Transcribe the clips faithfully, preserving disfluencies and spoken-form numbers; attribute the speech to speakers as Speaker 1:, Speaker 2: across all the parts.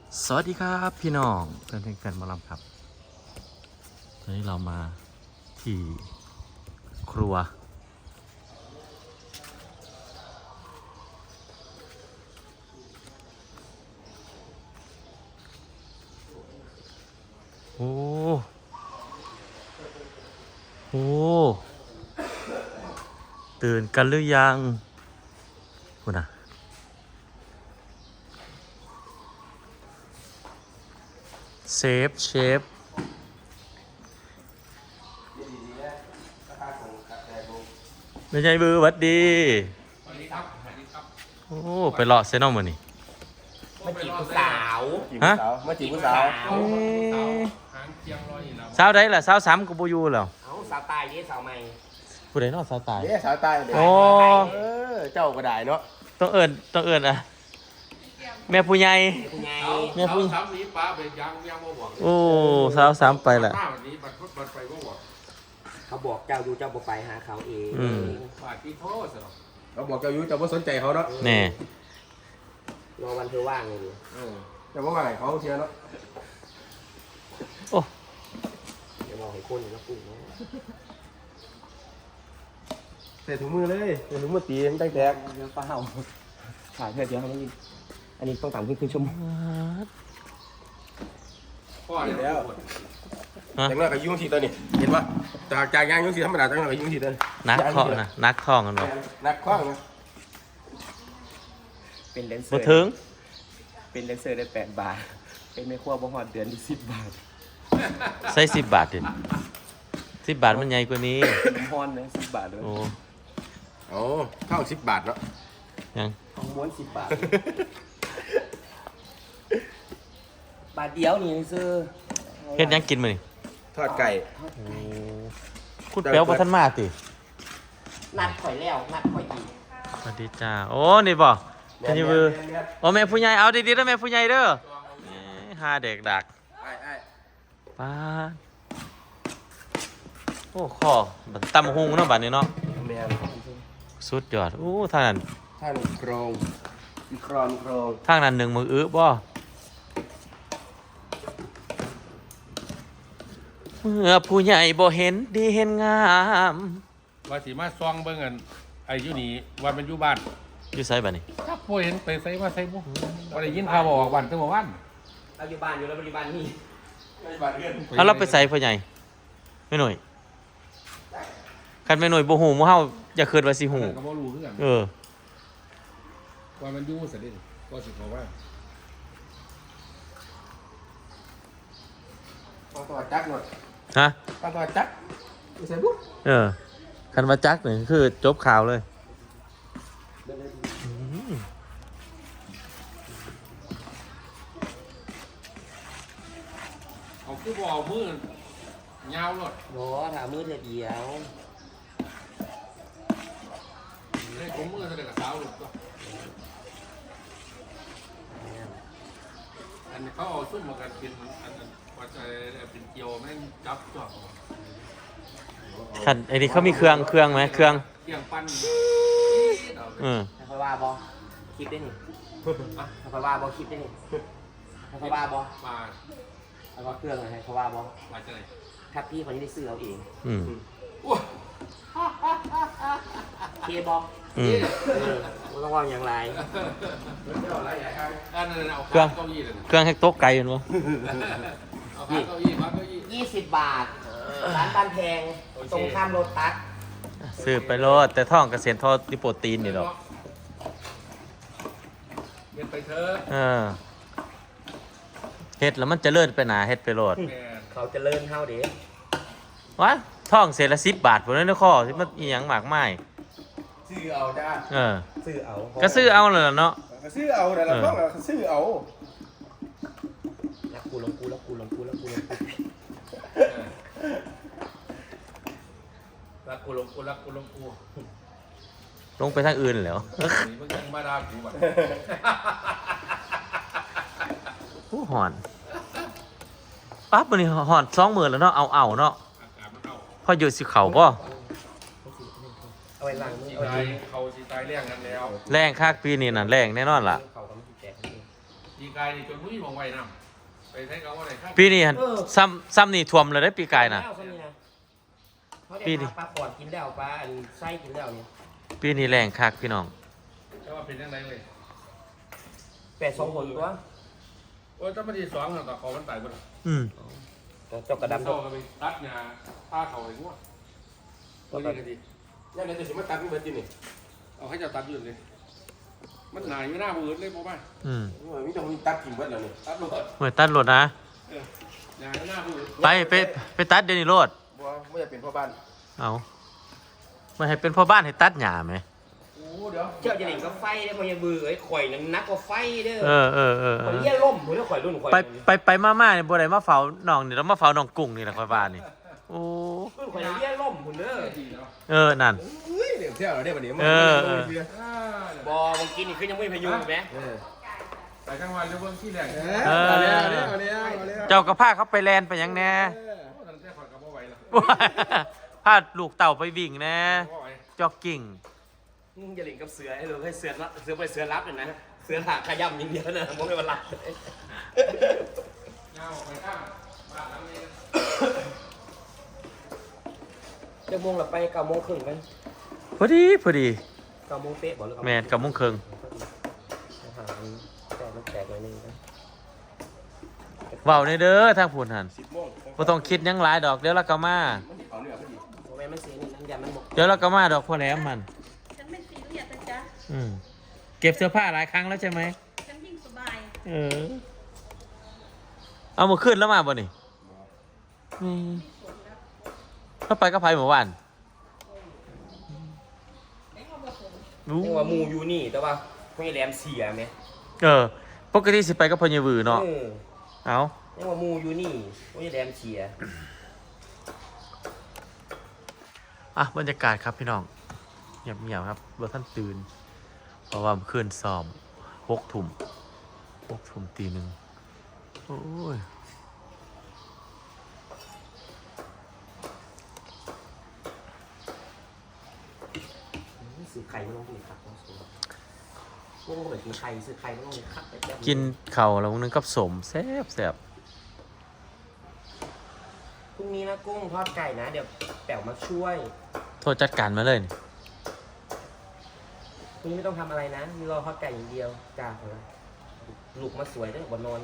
Speaker 1: สวัสดีครับพี่น้องเพื่อนๆกันมาลำครับตอนนี้เรามาที่ครัวโอ้โหตื่นกันหรือยังคุณอะเซฟเชฟไม่ใช่บือหวัดดี
Speaker 2: สวัสดีครับสวัสดีครับ
Speaker 1: โอ้ไปเลาะเซนอมมือนี่
Speaker 3: มาจีบผู้สาว
Speaker 1: ฮะ
Speaker 3: มาจีบผู้สาว
Speaker 2: เอาสาวหางเคียงรอยแล้ว
Speaker 1: สาวได้ล่ะสาวสามกูบูยูแล้ว
Speaker 3: เอาสาวตายยี่สาวใหม่
Speaker 1: ผู้ใดเนอกสาวตาย
Speaker 3: เนี่ยสาวตายเดี๋ยว
Speaker 1: โอ้
Speaker 3: เออเจ้าก็ได้เนาะ
Speaker 1: ต้องเอิญต้องเอิญอ่ะแม่ผู้ใหญ่
Speaker 3: คุณยาย
Speaker 1: แม่ผู้
Speaker 2: สามนี้ป้าไปยังยังบ่บอก
Speaker 1: โอ้สาวสามไปแหละ
Speaker 2: ป้าวันนี้บัดพุธบัดไปบ่บอก
Speaker 3: เขาบอกเจ้าดูเจ้าบ่ไปหาเขาเอง
Speaker 1: อืม
Speaker 2: บาดที่โทษสนอง
Speaker 4: เขาบอกเจ้าอยู่เจ้าไม่สนใจเขาเนาะ
Speaker 1: แน่
Speaker 3: รอวันเธอว่างเลยดิ
Speaker 4: เออเจ้าว่าไงเขาเชียร์เนาะ
Speaker 1: โอ้
Speaker 3: เดี๋ยวบอกให้คนแล้วกุ้งเนาะ
Speaker 4: ใส่ถุงมือเลยใส่ถุงมือตีมันแตก
Speaker 3: เดี๋ยวเปล่าถ่ายเพื่อเดี๋ยวให้อันนี้ต้องตามขึ้นครึ่งชั่วโมง
Speaker 2: พ่อแล้ว
Speaker 1: ฮะ
Speaker 4: ๆจากนั้นก็ยุ่งทีตัวนี้เห็นปะจากจากยางยุ่งทีธรรมดาจากนั้นก็ยุ่งทีตัวนี้
Speaker 1: นักเคาะนะนักท่องกันบ่
Speaker 4: นักคว้างนะ
Speaker 3: เป็นเลนเซอ
Speaker 1: บ่
Speaker 3: ร์
Speaker 1: ถึง
Speaker 3: เป็นเลนเซอร์ได้แปดบาทเป็นไม่ขั้วบ่หอดเดือนที่สิบบาท
Speaker 1: ใส่สิบบาทดิสิบบาทมันใหญ่กว่านี้
Speaker 3: น้ำฮอนเลยสิบบาทเลย
Speaker 1: โอ้
Speaker 4: โอ้เท่าสิบบาทเนาะ
Speaker 1: ยัง
Speaker 3: ของม้วนสิบบาทบาทเดียวนี่ซื้อ
Speaker 1: เฮ็ดหยังกินมื้อนี่
Speaker 4: ทอดไก่
Speaker 1: โอ้คุณเปียวบ่ทันมาติ
Speaker 3: นัดข่อยแล้วนัดข่อยอีก
Speaker 1: สวัสดีจ้าโอ้นี่บ่ทันยูบือโอ้แม่ผู้ใหญ่เอาดีๆเด้อแม่ผู้ใหญ่เด้อเอ้ยหาเด็กดัก
Speaker 4: ไอ้ไอ้
Speaker 1: ป้าดโอ้ข้อบัดตำหุงเนาะบัดนี้เนาะ
Speaker 4: แมน
Speaker 1: สุดยอดโอ้ทางนั้น
Speaker 4: ท่านโครงมีโครองมีโครง
Speaker 1: ทางนั้นหนึ่งมืออื้อบ่เมื่อผู้ใหญ่บ่เห็นดีเห็นงาม
Speaker 2: ว่าสิมาซองเบิ่งกันไอ้อยู่นี่ว่ามันอยู่บ้าน
Speaker 1: อยู่ไสบัดนี้
Speaker 2: ถ้าพ่อเห็นไปใส่มาใส่บ่บ่ได้ยินข่าวบอกบ้านตั้งแต่วัน
Speaker 3: เราอยู่บ้านอยู่แล้วปัจจุบันนี่
Speaker 4: ไม่บาทเงิน
Speaker 1: เอาเราไปใส่พ่อใหญ่แม่หน่อยคันแม่หน่อยบ่ฮู้หมู่เฮาอย่าคิดว่าสิฮู้
Speaker 2: ก็บ่รู้คือกัน
Speaker 1: เออ
Speaker 2: ว่ามันอยู่ซะดิก็สิบอกว่า
Speaker 4: ต้องตัวจักหน่อย
Speaker 1: ฮะ
Speaker 4: ต้องตัวจักไม่ใส่บุ๊ก
Speaker 1: เออคันว่าจักนี่คือจบข่าวเลย
Speaker 2: เอาคือบ่เอามือยาวรถ
Speaker 3: โหถามมือเธอเดียว
Speaker 2: เลยผมมือแสดงกับสาวรถก็อันนี้เขาเอาซุ่มมากันเป็นอันนั้นว่าจะเป็นเกียวแม่นจับจ่อ
Speaker 1: คันไอ้นี่เขามีเครื่องเครื่องไหมเครื่อง
Speaker 2: เกียงปั้น
Speaker 1: เออ
Speaker 3: ให้ค่อยว่าบอคลิปได้นี่ให้ค่อยว่าบอคลิปได้นี่ให้ค่อยว่าบอ
Speaker 2: มา
Speaker 3: แล้วก็เครื่องอะไรให้ค่อยว่าบอ
Speaker 2: มาจะไหน
Speaker 3: ถ้าพี่คนนี้ได้ซื้อเอาเอง
Speaker 1: อืม
Speaker 3: เคบอ
Speaker 1: อืม
Speaker 3: ไม่ต้องว่าอย่างไร
Speaker 2: อันนั้นเอา
Speaker 1: เครื่อง
Speaker 2: เก้าอี้เลย
Speaker 1: เครื่องให้โต๊ะไกลแม่นบ่
Speaker 2: เอาเก้าอี้มาเก้าอี้
Speaker 3: ยี่สิบบาทร้านบ้านแพงตรงข้ามโรตัส
Speaker 1: ซื้อไปโลดแต่ท่องเกษตรทอดดิโปรตีนนี่ดอก
Speaker 2: เงินไปเถอะ
Speaker 1: เออเฮ็ดแล้วมันเจริญไปหนาเฮ็ดไปโลด
Speaker 2: แม่
Speaker 3: เขาจะเลิ่นเท่าเด็ก
Speaker 1: วะท่องเศษละสิบบาทพุ่นนั้นเด้อข้อที่มันอีหยังมากมาย
Speaker 4: ซื้อเอาจ้า
Speaker 1: เออ
Speaker 3: ซื้อเอา
Speaker 1: ก็ซื้อเอาเลยล่ะเนาะ
Speaker 4: ก็ซื้อเอาแต่ละต้องก็ซื้อเอา
Speaker 3: รักกูลงกูรักกูลงกูรักกูลงกู
Speaker 2: รักกูลงกูรักกูลงกู
Speaker 1: ลงไปทางอื่นแล้ว
Speaker 2: นี่มึงยังมาด่ากูแบบ
Speaker 1: ผู้หอนปั๊บมันนี่หอนสองหมื่นแล้วเนาะเอาเอาเนาะ
Speaker 2: อากาศมันเอา
Speaker 1: พออยู่สิเขาบ่
Speaker 3: เอาไว้ล้างมือ
Speaker 2: สี
Speaker 3: เอา
Speaker 2: ตา
Speaker 3: ไว้
Speaker 2: ยเขาสีตายแรงกันแล้ว
Speaker 1: แรงคักปีนี้น่ะแรงแน่นอนล่ะ
Speaker 3: เขาก็ไม่ติดแจก
Speaker 2: ดีกกายนี่จนผู้หญิงมองไว้น้ำไปใช้เขาว่าไหนข้า
Speaker 1: ปีนี้หั่นซ้ำซ้ำนี่ท่วมเลยได้ปีกายน่ะ
Speaker 3: ปี
Speaker 1: ปี
Speaker 3: นี้
Speaker 1: นี้
Speaker 3: ปลาขอดกินแล้วปลาอันไส้กินแล้วเนี่ย
Speaker 1: ปีนี้แรงคักพี่น้อง
Speaker 2: แต่ว่าเป็นยังไงเลย
Speaker 3: แปดสองคนตัว
Speaker 2: โอ้ยถ้ามันดีสองต่อคอมันตายหมด
Speaker 1: อืม
Speaker 3: เจ้ากระดำ
Speaker 2: โซ่กันไปตัดงาผ้าเขาไอ้พวกตัวนี้ก็ดี
Speaker 4: นี่นจะสิมาตัดมันเบิดอยู่นี่
Speaker 2: เอาให้เจ้าตัดอยู่เลยมันหนาอยู่หน้ามือเลยพ่อบ้าน
Speaker 1: อืม
Speaker 4: มีต้องมีตัดกิ่งเบิดแล้วนี่
Speaker 2: ตัดลง
Speaker 1: เหมือนตัดรถนะ
Speaker 2: เออหนาอยู่หน้ามือ
Speaker 1: ไปไปไปตัดเดี๋ยวนี้โลด
Speaker 4: บ่ไม่อยากเป็นพ่อบ้าน
Speaker 1: เอาไม่ให้เป็นพ่อบ้านให้ตัดหญ้าไหม
Speaker 2: โอ้เดี๋ยว
Speaker 3: เจ้าจะเล่นก็ไฟได้พอยังเบื่อไอ้ข่อยนั้นนักกว่าไฟเด้อ
Speaker 1: เออเออเออเอ
Speaker 3: ข่อย
Speaker 1: อ
Speaker 3: เลี้ยล่มผมเรียกข่อยรุ่นข่อย
Speaker 1: ไปไปไปมาม่าเนี่ยบัวใดมาเฝ้าน้องนี่แล้วมาเฝ้าน้องกุ้งนี่แหละคอยบ้านนี่โอ้
Speaker 3: รุ่นข่อยเลี้ยล่มผมเด้อ
Speaker 2: ดีเนาะ
Speaker 1: เออนั่น
Speaker 4: เฮ้ยเดี๋ยวเที่ยวเราได้บัดนี้
Speaker 1: เออเออ
Speaker 2: อ่า
Speaker 3: บอมึงกินนี่คือยังไม่พยุงไหม
Speaker 4: เออ
Speaker 2: ไปกลางวันเรื่องที่แรก
Speaker 4: เออเอาแล้วเอาแล้วเอาแล้วเอาแล้ว
Speaker 1: เจ้ากระพาเขาไปแลนไปหยังแน่
Speaker 2: โอ้ตั้งแต่ขอดกับพ่อไหวแล้ว
Speaker 1: พาลูกเต่าไปวิ่งแน่
Speaker 2: พ่อไหว
Speaker 1: จ็อกกิ้ง
Speaker 3: มึงจะเล่นกับเสือให้เลยให้เสือเสือไปเสือรับเลยนะเสือหาขย่ำอย่างเดียวนะมึงไม่มาหลับเลย
Speaker 2: เงาไปข้างบ้านหลังนี้
Speaker 3: เดี๋ยวโมงเราไปเก้าโมงครึ่งกัน
Speaker 1: พอดีพอดี
Speaker 3: เก้าโมงเป๊ะบอกเลย
Speaker 1: แมนกับมุ้งเคิง
Speaker 3: หาอันแต่มันแตกเลยนึงนะ
Speaker 1: เว้าในเด้อทางพูนหัน
Speaker 4: สิบโมง
Speaker 1: บ่ต้องคิดหยังหลายดอกเดี๋ยวเราก็มา
Speaker 4: มันสิเอาเนื้อพอดี
Speaker 3: โมแม่มันเสียนี่น้ำยามันหมด
Speaker 1: เดี๋ยวเราก็มาดอกพ่อแหลมมัน
Speaker 5: ฉันไม่ซีเรียสนะจ๊ะ
Speaker 1: อืมเก็บเสื้อผ้าหลายครั้งแล้วใช่ไหม
Speaker 5: ฉันยิ่งสบาย
Speaker 1: เออเอามาขึ้นแล้วมาบ่นี่อืมถ้าไปก็ไปเมื่อวานรู้
Speaker 3: นี่ว่าหมูอยู่นี่แต่ว่าพวกไอ้แหลมเสียไหม
Speaker 1: เออปกติสิไปก็พญวือเนาะ
Speaker 3: เออ
Speaker 1: เอา
Speaker 3: นี่ว่าหมูอยู่นี่พวกไอ้แหลมเสีย
Speaker 1: อ่ะบรรยากาศครับพี่น้องเงียบๆครับเบอร์ท่านตื่นเพราะว่าเมื่อคืนซ้อมหกทุ่มหกทุ่มตีหนึ่งโอ้ย
Speaker 3: ซื้อไข่ไม่ต้องกินครับต้องซื้อพวกมึงเหมือนกินไข่ซื้อไข่ไม่ต้องกินครับ
Speaker 1: กินเข่าวแล้วนึงกับสมแซ่บแซ่บ
Speaker 3: พรุ่งนี้นะกุ้งทอดไก่นะ เดี๋ยวแป๋วมาช่วย
Speaker 1: โทษจัดการมาเลยนี่
Speaker 3: พรุ่งนี้ไม่ต้องทำอะไรนะมีรอทอดไก่อย่างเดียวจ้าพอละลูกมาสวยด้วยบนนอน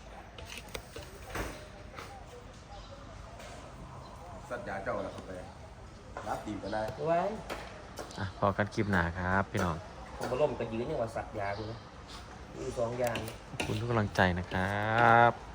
Speaker 4: สัตว์ยาเจ้าแล้วเข้าไปรับตีมกันได้
Speaker 3: ไว้
Speaker 1: อ่ะพอกันคลิปหนาครับพี่น้อง
Speaker 3: ผมมาล่มกระยืนเนี่ยว่าสัตว์ยาดูนะมีสองอย่าง
Speaker 1: ขอบคุณทุกกำลังใจนะครับ